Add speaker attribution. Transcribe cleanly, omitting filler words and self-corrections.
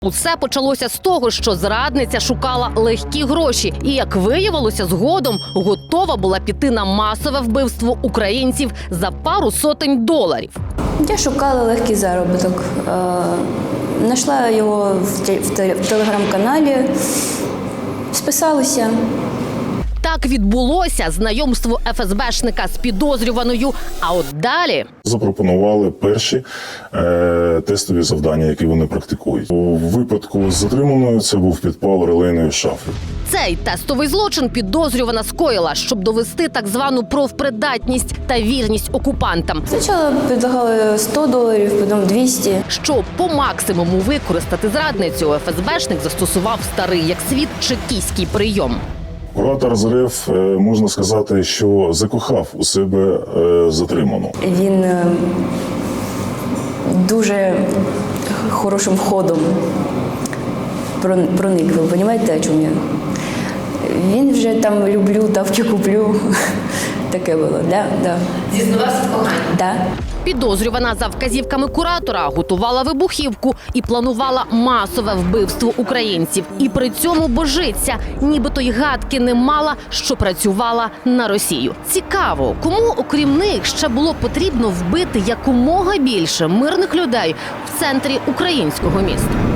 Speaker 1: Усе почалося з того, що зрадниця шукала легкі гроші і, як виявилося згодом, готова була піти на масове вбивство українців за пару сотень доларів.
Speaker 2: Я шукала легкий заробіток. Знайшла його в телеграм-каналі, списалася.
Speaker 1: Так відбулося знайомство ФСБшника з підозрюваною, а от далі...
Speaker 3: Запропонували перші тестові завдання, які вони практикують. У випадку з затриманою це був підпал релейної шафи.
Speaker 1: Цей тестовий злочин підозрювана скоїла, щоб довести так звану профпридатність та вірність окупантам.
Speaker 2: Спочатку предлагали $100, потім 200.
Speaker 1: Щоб по максимуму використати зрадницю, ФСБшник застосував старий як світ чекістський прийом.
Speaker 3: Куратор з РФ, можна сказати, що закохав у себе затриману.
Speaker 2: Він дуже хорошим ходом проник. Ви розумієте, о чому я? Він вже там люблю, тавки куплю. Таке було, да.
Speaker 1: Зізнавався в коханні?
Speaker 2: Да.
Speaker 1: Підозрювана за вказівками куратора готувала вибухівку і планувала масове вбивство українців. І при цьому божиться, нібито й гадки не мала, що працювала на Росію. Цікаво, кому, окрім них, ще було потрібно вбити якомога більше мирних людей в центрі українського міста?